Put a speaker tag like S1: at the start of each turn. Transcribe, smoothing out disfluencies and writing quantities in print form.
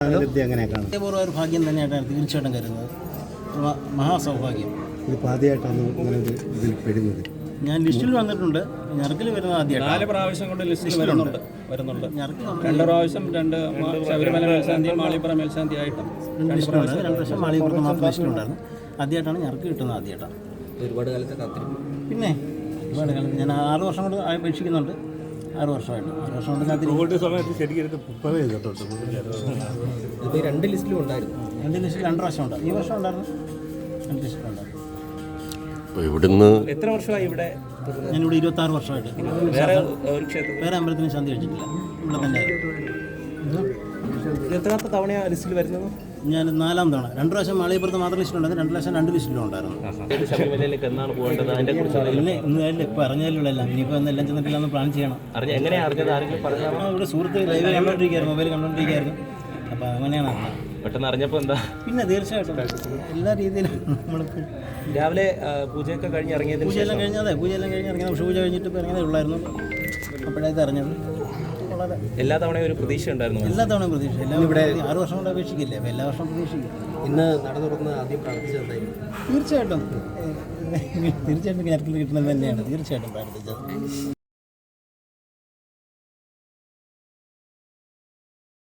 S1: അതേപോലെ ഒരു ഭാഗ്യം തന്നെയായിട്ടാണ് തീർച്ചയായിട്ടും കരുതുന്നത്. മഹാസൗഭാഗ്യം.
S2: ഇതിപ്പോൾ ആദ്യമായിട്ടാണ് ഇങ്ങനെ ഒരു ഇതിൽ പെടുന്നത്.
S1: ഞാൻ ലിസ്റ്റിൽ വന്നിട്ടുണ്ട്. ഞറക്കിൽ വരുന്നത് ആദ്യമായിട്ടാണ്.
S3: 4 പ്രാവശ്യം കൊണ്ട് ലിസ്റ്റിൽ വരുന്നുണ്ട്. 2 പ്രാവശ്യം 2 ശബരിമല മേൽശാന്തി മാളിപ്പുറം മേൽശാന്തി ആയിട്ടും
S1: 2 പ്രാവശ്യം മാളികപ്പുറത്ത് മാത്രം ലിസ്റ്റിലുണ്ടായിരുന്നു. ആദ്യമായിട്ടാണ് ഞറക്ക് കിട്ടുന്നത്. ആദ്യമായിട്ടാണ്.
S4: ഒരുപാട് കാലത്തെ കാത്തിരിക്കും.
S1: പിന്നെ ഒരുപാട് കാലത്ത് ഞാൻ 6 വർഷം കൊണ്ട് അപേക്ഷിക്കുന്നുണ്ട്. 6 വർഷമായിട്ട് 6 വർഷം കൊണ്ട് കാത്തിരിക്കും.
S2: സമയത്ത് ശരിക്കും
S4: ഇപ്പോൾ 2 ലിസ്റ്റിലും ഉണ്ടായിരുന്നു.
S1: 2 ലിസ്റ്റിൽ 2 പ്രാവശ്യം ഉണ്ടായിരുന്നു. ഈ വർഷം ഉണ്ടായിരുന്നു. 2 ലിസ്റ്റിലുണ്ടായിരുന്നു.
S5: ഇവിടുന്ന്
S4: എത്ര വർഷമായി ഇവിടെ?
S1: ഞാനിവിടെ 26 വർഷമായിട്ട്. വേറെ അമ്പലത്തിന് ശാന്തി കഴിച്ചിട്ടില്ല. ഇവിടെ തന്നെ.
S4: എത്രാമത്തെ തവണയാണ് ലിസ്റ്റിൽ വരുന്നത്?
S1: ഞാൻ 4ാം തവണ. 2 പ്രാവശ്യം മാളികപ്പുറത്ത് മാത്രം ലിസ്റ്റിലുണ്ടായിരുന്നു. 2 പ്രാവശ്യം 2 ലിസ്റ്റിലും ഉണ്ടായിരുന്നു.
S4: ശബരിമലയിലേക്ക് എന്നാണ് പോകേണ്ടത്? അതിനെ കുറിച്ച്
S1: ഇന്ന് ഇപ്പോൾ അറിഞ്ഞാലുള്ള ഇനിയിപ്പോൾ എല്ലാം ചെന്നിട്ടില്ല എന്ന് പ്ലാൻ ചെയ്യണം.
S4: എങ്ങനെയാണ് അറിഞ്ഞത്? ആരെങ്കിലും പറഞ്ഞാൽ?
S1: ഇവിടെ സുഹൃത്ത് ലൈവ് കണ്ടുകൊണ്ടിരിക്കുകയായിരുന്നു, മൊബൈൽ കണ്ടുകൊണ്ടിരിക്കുകയായിരുന്നു. അപ്പോൾ അങ്ങനെയാണ് അറിഞ്ഞത്.
S4: പെട്ടെന്ന് അറിഞ്ഞപ്പോൾ എന്താ?
S1: പിന്നെ തീർച്ചയായിട്ടും എല്ലാ രീതിയിലും നമ്മളിപ്പോൾ
S4: രാവിലെ പൂജയൊക്കെ കഴിഞ്ഞ് ഇറങ്ങിയതിന്
S1: പൂജയെല്ലാം കഴിഞ്ഞാൽ പൂജയെല്ലാം കഴിഞ്ഞ് ഇറങ്ങിയത്. പക്ഷേ പൂജ കഴിഞ്ഞിട്ട് ഇപ്പോൾ ഇറങ്ങിയതേ ഉള്ളായിരുന്നു. അപ്പോഴായത് അറിഞ്ഞത്. വളരെ
S4: എല്ലാ തവണയും ഒരു പ്രതീക്ഷ ഉണ്ടായിരുന്നു.
S1: എല്ലാ തവണയും പ്രതീക്ഷ. എല്ലാം ഇവിടെ 6 വർഷം കൊണ്ട് അപേക്ഷിക്കില്ലേ. അപ്പോൾ എല്ലാ വർഷവും പ്രതീക്ഷിക്കും.
S4: ഇന്ന് നട തുറന്ന് ആദ്യം പ്രാർത്ഥിച്ചതായിരുന്നു.
S1: തീർച്ചയായിട്ടും കിട്ടുന്നത് തന്നെയാണ്. തീർച്ചയായിട്ടും പ്രാർത്ഥിച്ചത്.